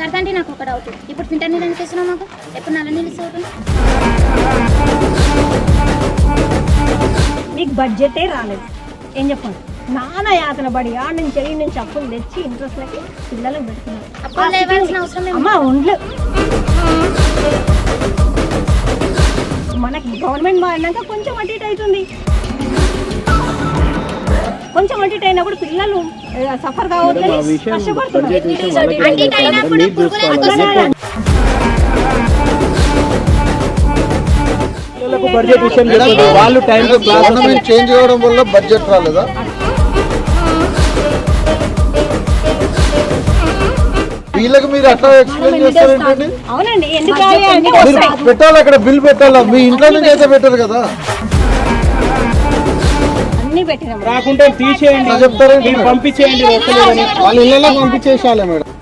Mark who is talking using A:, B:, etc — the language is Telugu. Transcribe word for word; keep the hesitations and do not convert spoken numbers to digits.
A: కడతాంటే నాకు ఒక డౌట్, ఇప్పుడు ఫిల్టర్ నీళ్ళు ఎందుకు ఇస్తున్నావు మాకు? ఎప్పుడు నల్ల నీళ్ళు ఇస్తావు?
B: మీకు బడ్జెటే రాలేదు, ఏం చెప్పండి? నాన్న యాతన పడి ఆడ నుంచి ఈ నుంచి అప్పులు తెచ్చి ఇంట్రెస్ట్లకి పిల్లలకు పెడుతున్నారు.
A: అప్పులు లేవాల్సిన అవసరం
B: అమ్మ ఒండ్లు మనకి గవర్నమెంట్ మారినాక కొంచెం అటు ఇటు అవుతుంది. కొంచెం అటు ఇటు అయినప్పుడు పిల్లలు సఫర్ కావద్దని కష్టపడుతున్నారు.
C: వాళ్ళు టైం గవర్నమెంట్ చేంజ్ అవ్వడం వల్ల బడ్జెట్ రాలేదా? వీళ్ళకి మీరు అట్లా ఎక్స్ప్లెయిన్ చేస్తారేంటండి?
B: అవునండి, ఎందుకు
C: పెట్టాలి, అక్కడ బిల్ పెట్టాలా? మీ ఇంట్లో నుంచి అయితే పెట్టరు కదా.
B: అన్ని పెట్టినాం,
D: రాకుంటే తీసేయండి,
C: చెప్తారేంటి?
D: పంపించేయండి,
C: వాళ్ళ ఇళ్ళలో పంపించేసాలే మేడం.